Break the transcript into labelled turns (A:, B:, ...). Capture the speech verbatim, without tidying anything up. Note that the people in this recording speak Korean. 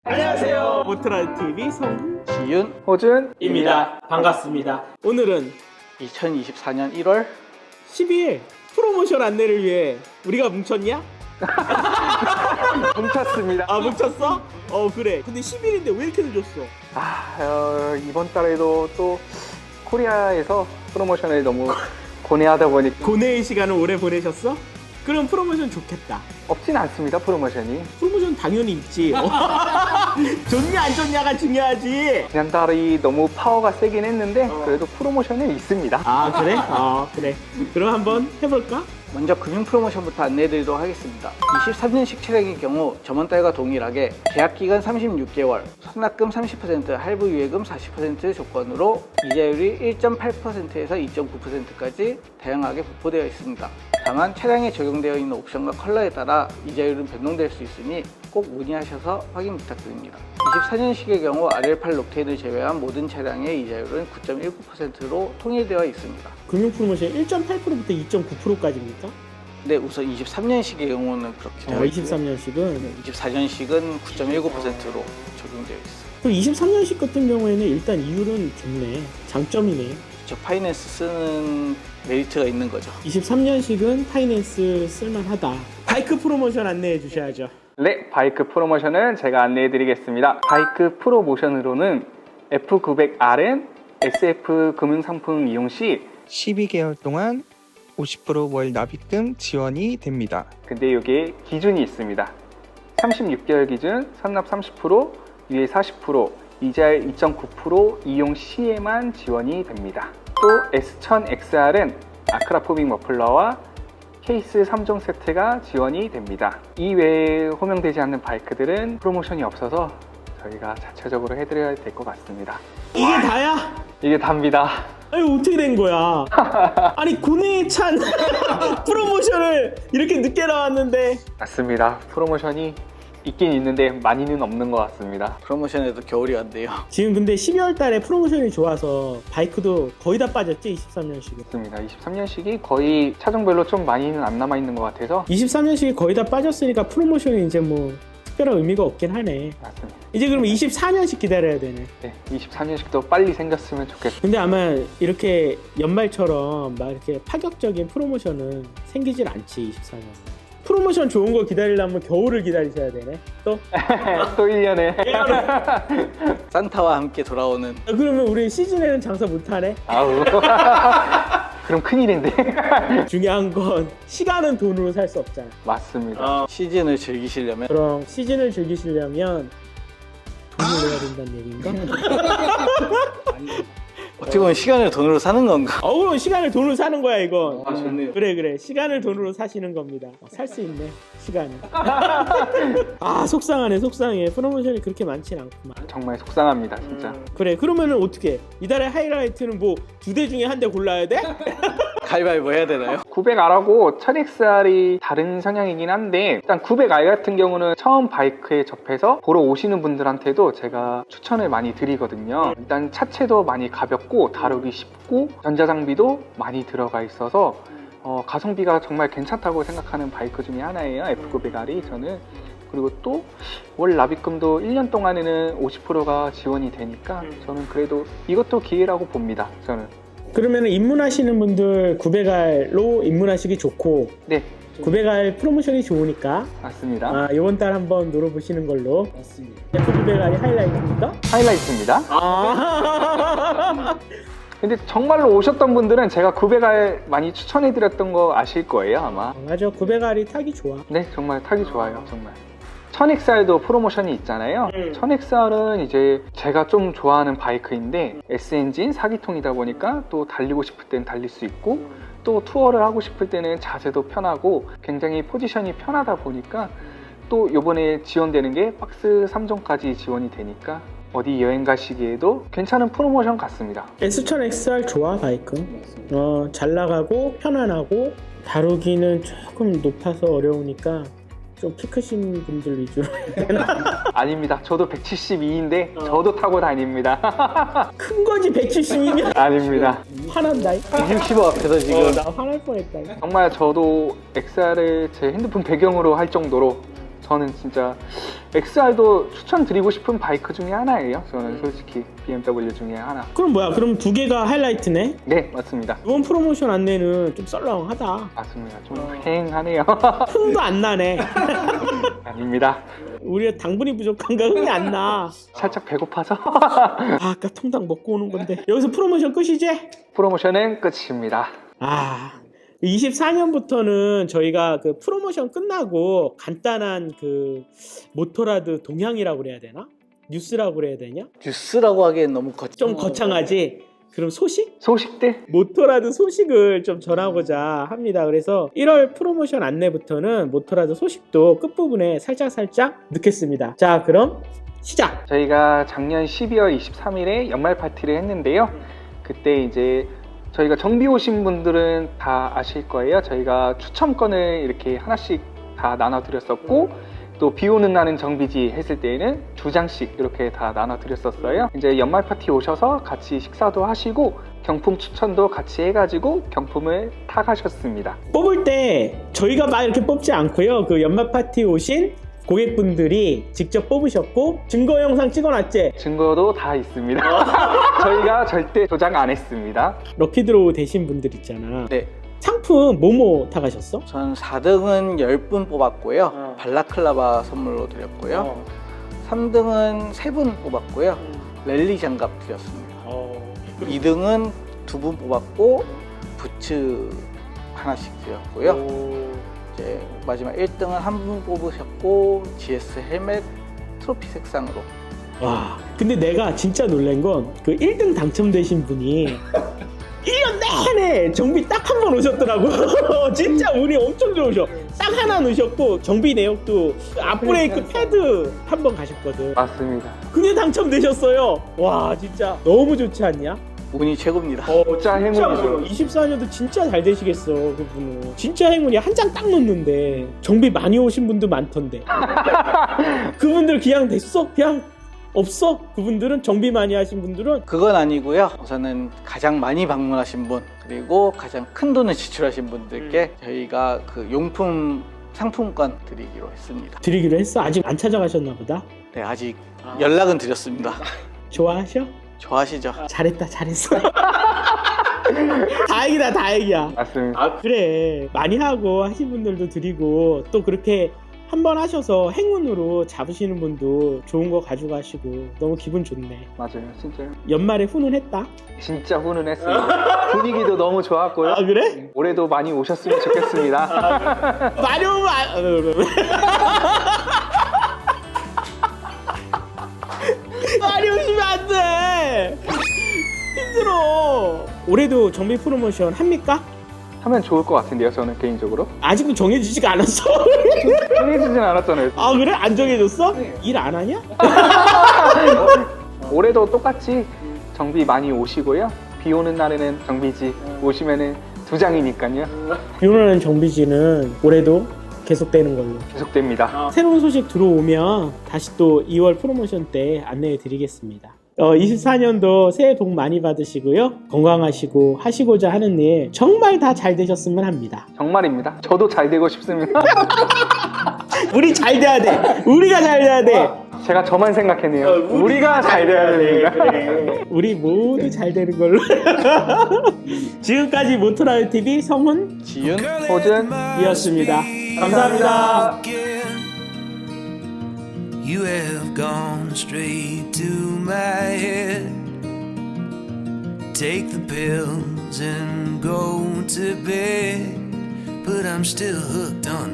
A: 안녕하세요. 모트라티비 성훈,
B: 지윤,
A: 호준입니다. 반갑습니다. 오늘은
B: 이천이십사 년 일월
A: 십이 일 프로모션 안내를 위해 우리가 뭉쳤냐?
C: 뭉쳤습니다.
A: 아 뭉쳤어? 어 그래. 근데 십 일인데 왜 이렇게 늦었어?
C: 아, 어, 이번 달에도 또 코리아에서 프로모션을 너무 고뇌하다 보니까
A: 고뇌의 시간을 오래 보내셨어? 그럼 프로모션 좋겠다.
C: 없진 않습니다, 프로모션이.
A: 프로모션 당연히 있지. 어. 좋냐 안 좋냐가 중요하지.
C: 지난달이 너무 파워가 세긴 했는데 그래도 프로모션은 있습니다.
A: 아 그래? 어 그래. 그럼 한번 해볼까?
B: 먼저 금융 프로모션부터 안내드리도록 하겠습니다. 이십삼 년식 차량의 경우 저번 달과 동일하게 계약기간 삼십육 개월, 선납금 삼십 퍼센트, 할부 유예금 사십 퍼센트 조건으로 이자율이 일 점 팔 퍼센트에서 이 점 구 퍼센트까지 다양하게 분포되어 있습니다. 다만 차량에 적용되어 있는 옵션과 컬러에 따라 이자율은 변동될 수 있으니 꼭 문의하셔서 확인 부탁드립니다. 이십사 년식의 경우 알엘팔 록테인을 제외한 모든 차량의 이자율은 구 점 일구 퍼센트로 통일되어 있습니다.
A: 금융 프로모션 일 점 팔 퍼센트부터 이 점 구 퍼센트까지입니까?
B: 네, 우선 이십삼 년식의 경우는 그렇게 되어
A: 어,
B: 있고요.
A: 이십삼 년식은
B: 이십사 년식은 구 점 일구 퍼센트로 적용되어 있어요.
A: 그럼 이십삼 년식 같은 경우에는 일단 이율은 좋네. 장점이네.
B: 저 파이낸스 쓰는 메리트가 있는 거죠.
A: 이십삼 년식은 파이낸스 쓸만하다. 바이크 프로모션 안내해 주셔야죠.
C: 네, 바이크 프로모션은 제가 안내해 드리겠습니다. 바이크 프로모션으로는 에프 구백 알은 에스에프 금융상품 이용 시
D: 십이 개월 동안 오십 퍼센트 월 납입금 지원이 됩니다.
C: 근데 여기에 기준이 있습니다. 삼십육 개월 기준 선납 삼십 퍼센트, 유예 사십 퍼센트, 이자율 이 점 구 퍼센트 이용 시에만 지원이 됩니다. 또 에스 천 엑스알은 아크라포빅 머플러와 케이스 삼 종 세트가 지원이 됩니다. 이 외에 호명되지 않는 바이크들은 프로모션이 없어서 저희가 자체적으로 해드려야 될 것 같습니다.
A: 이게 다야?
C: 이게 답니다.
A: 아니 어떻게 된 거야? 아니 고뇌에 찬 프로모션을 이렇게 늦게 나왔는데.
C: 맞습니다. 프로모션이 있긴 있는데 많이는 없는 것 같습니다.
B: 프로모션에도 겨울이 왔네요.
A: 지금 근데 십이월 달에 프로모션이 좋아서 바이크도 거의 다 빠졌지 이십삼 년식은.
C: 맞습니다. 이십삼 년식이 거의 차종별로 좀 많이는 안 남아있는 것 같아서
A: 이십삼 년식이 거의 다 빠졌으니까 프로모션이 이제 뭐 특별한 의미가 없긴 하네.
C: 맞습니다.
A: 이제 그럼 이십사 년식 기다려야 되네.
C: 네, 이십삼 년식도 빨리 생겼으면 좋겠습니다.
A: 근데 아마 이렇게 연말처럼 막 이렇게 파격적인 프로모션은 생기질 않지 이십사 년. 프로모션 좋은 거 기다리려면 겨울을 기다리셔야 되네. 또?
C: 또 일 년에
B: 산타와 함께 돌아오는
A: 아, 그러면 우리 시즌에는 장사 못하네.
C: 아우 그럼 큰일인데.
A: 중요한 건 시간은 돈으로 살 수 없잖아.
C: 맞습니다.
B: 시즌을 즐기시려면
A: 그럼 시즌을 즐기시려면 돈을 내야 된다는 얘기인가?
B: 어떻게 보면 시간을 돈으로 사는 건가?
A: 어 그럼 시간을 돈으로 사는 거야 이건.
B: 아, 좋네요.
A: 그래 그래 시간을 돈으로 사시는 겁니다. 어, 살 수 있네 시간을. 아 속상하네 속상해. 프로모션이 그렇게 많진 않구만.
C: 정말 속상합니다, 진짜.
A: 그래 그러면은 어떻게 이달의 하이라이트는 뭐 두 대 중에 한 대 골라야 돼?
B: 가위바위보 해야 되나요?
C: 구백 알하고 천 엑스알이 다른 성향이긴 한데 일단 구백 알 같은 경우는 처음 바이크에 접해서 보러 오시는 분들한테도 제가 추천을 많이 드리거든요. 일단 차체도 많이 가볍고 다루기 쉽고 전자장비도 많이 들어가 있어서 어, 가성비가 정말 괜찮다고 생각하는 바이크 중에 하나예요, 에프 구백 알이 저는. 그리고 또 월 납입금도 일 년 동안에는 오십 퍼센트가 지원이 되니까 저는 그래도 이것도 기회라고 봅니다, 저는.
A: 그러면은 입문하시는 분들 구백 알로 입문하시기 좋고
C: 네,
A: 구백 알 프로모션이 좋으니까
C: 맞습니다.
A: 아 이번 달 한번 놀아보시는 걸로. 맞습니다. 에프 구백 알이 하이라이트입니까?
C: 하이라이트입니다.
A: 아
C: 근데 정말로 오셨던 분들은 제가 구백 알 많이 추천해드렸던 거 아실 거예요, 아마.
A: 맞아 구백 알이 타기 좋아.
C: 네, 정말 타기 좋아요, 정말. 천 엑스알도 프로모션이 있잖아요.
A: 음.
C: 천 엑스알은 이제 제가 좀 좋아하는 바이크인데 S엔진 사 기통이다 보니까 또 달리고 싶을 땐 달릴 수 있고 또 투어를 하고 싶을 때는 자세도 편하고 굉장히 포지션이 편하다 보니까 또 요번에 지원되는 게 박스 삼 종까지 지원이 되니까 어디 여행 가시기에도 괜찮은 프로모션 같습니다.
A: 에스 천 엑스알 좋아 바이크. 어, 잘 나가고 편안하고 다루기는 조금 높아서 어려우니까 좀 키 크신 분들 위주로 해야 되나?
C: 아닙니다. 저도 백칠십이인데 저도 타고 다닙니다.
A: 큰 거지 백칠십이면.
C: 아닙니다.
A: 화난다.
B: 백육십오 앞에서 지금
A: 어, 나 화날 뻔했다.
C: 정말 저도 엑스알을 제 핸드폰 배경으로 할 정도로 저는 진짜 엑스알도 추천드리고 싶은 바이크 중에 하나예요. 저는 솔직히 비엠더블유 중에 하나.
A: 그럼 뭐야? 그럼 두 개가 하이라이트네?
C: 네, 맞습니다.
A: 이번 프로모션 안내는 좀 썰렁하다.
C: 맞습니다. 좀 휑하네요.
A: 흥도 안 나네.
C: 아닙니다.
A: 우리가 당분이 부족한가 흥이 안 나.
C: 살짝 배고파서
A: 아, 아까 통닭 먹고 오는 건데. 여기서 프로모션 끝이지?
C: 프로모션은 끝입니다.
A: 아, 이십사 년부터는 저희가 그 프로모션 끝나고 간단한 그 모토라드 동향이라고 그래야 되나? 뉴스라고 그래야 되냐?
B: 뉴스라고 하기엔 너무 거창.
A: 좀 거창하지? 그럼 소식?
C: 소식들?
A: 모토라드 소식을 좀 전하고자 합니다. 그래서 일월 프로모션 안내부터는 모토라드 소식도 끝부분에 살짝살짝 넣겠습니다. 자, 그럼 시작!
C: 저희가 작년 십이월 이십삼일에 연말 파티를 했는데요. 그때 이제 저희가 정비 오신 분들은 다 아실 거예요. 저희가 추첨권을 이렇게 하나씩 다 나눠드렸었고, 또 비 오는 날은 정비지 했을 때에는 두 장씩 이렇게 다 나눠드렸었어요. 이제 연말 파티 오셔서 같이 식사도 하시고 경품 추천도 같이 해가지고 경품을 타가셨습니다.
A: 뽑을 때 저희가 막 이렇게 뽑지 않고요. 그 연말 파티 오신 고객분들이 직접 뽑으셨고 증거 영상 찍어놨지?
C: 증거도 다 있습니다. 저희가 절대 조작 안 했습니다.
A: 럭키드로우 되신 분들 있잖아.
B: 네.
A: 상품 뭐뭐 타가셨어?
B: 전 사 등은 십 분 뽑았고요.
A: 어.
B: 발라클라바 선물로 드렸고요.
A: 어.
B: 삼 등은 세 분 뽑았고요. 랠리 장갑 드렸습니다.
A: 어.
B: 이 등은 두 분 뽑았고 부츠 하나씩 드렸고요.
A: 오.
B: 이제 마지막 일 등은 한 분 뽑으셨고 지에스 헬멧 트로피 색상으로.
A: 와, 근데 내가 진짜 놀란 건 그 일 등 당첨되신 분이 일 년 내내 정비 딱 한 번 오셨더라고. 진짜 운이 엄청 좋으셔. 딱 하나 넣으셨고 정비 내역도 앞브레이크 패드 한 번 가셨거든.
C: 맞습니다.
A: 근데 당첨되셨어요. 와, 진짜 너무 좋지 않냐?
B: 운이 최고입니다.
A: 어,
C: 진짜 행운이죠.
A: 이십사 년도 진짜 잘 되시겠어, 그분은. 진짜 행운이야. 한 장 딱 넣는데 정비 많이 오신 분도 많던데. 그분들 그냥 됐어? 그냥 없어? 그분들은 정비 많이 하신 분들은
B: 그건 아니고요. 우선은 가장 많이 방문하신 분 그리고 가장 큰 돈을 지출하신 분들께 저희가 그 용품 상품권 드리기로 했습니다.
A: 드리기로 했어. 아직 안 찾아가셨나 보다.
B: 네, 아직 연락은 드렸습니다.
A: 좋아하셔?
B: 좋아하시죠?
A: 잘했다, 잘했어. 다행이다, 다행이야.
C: 맞습니다.
A: 아, 그래. 많이 하고 하신 분들도 드리고 또 그렇게 한 번 하셔서 행운으로 잡으시는 분도 좋은 거 가져가시고 너무 기분 좋네.
C: 맞아요, 진짜요.
A: 연말에 훈훈했다.
C: 진짜 훈훈했습니다. 분위기도 너무 좋았고요.
A: 아, 그래?
C: 올해도 많이 오셨으면 좋겠습니다.
A: 많이 오면 안... 많이 오시면 안 돼. 힘들어. 올해도 정비 프로모션 합니까?
C: 하면 좋을 것 같은데요, 저는 개인적으로.
A: 아직도 정해지지가 않았어.
C: 정해지진 않았잖아요.
A: 아, 그래? 안 정해졌어? 일 안 하냐?
C: 올해도 똑같이 정비 많이 오시고요. 비 오는 날에는 정비지 오시면은 두 장이니까요.
A: 비 오는 정비지는 올해도 계속되는 걸로.
C: 계속됩니다.
A: 새로운 소식 들어오면 다시 또 이월 프로모션 때 안내해 드리겠습니다. 어, 이십사 년도 새해 복 많이 받으시고요. 건강하시고 하시고자 하는 일 정말 다 잘 되셨으면 합니다.
C: 정말입니다. 저도 잘 되고 싶습니다.
A: 우리 잘 돼야 돼. 우리가 잘 돼야 돼.
C: 제가 저만 생각했네요. 우리가 잘 돼야 됩니다.
A: 우리 모두 잘 되는 걸로. 지금까지 모토라드 티비 성훈
B: 지윤
A: 이었습니다. 감사합니다.
E: You have gone straight to my head. Take the pills and go to bed, but I'm still hooked on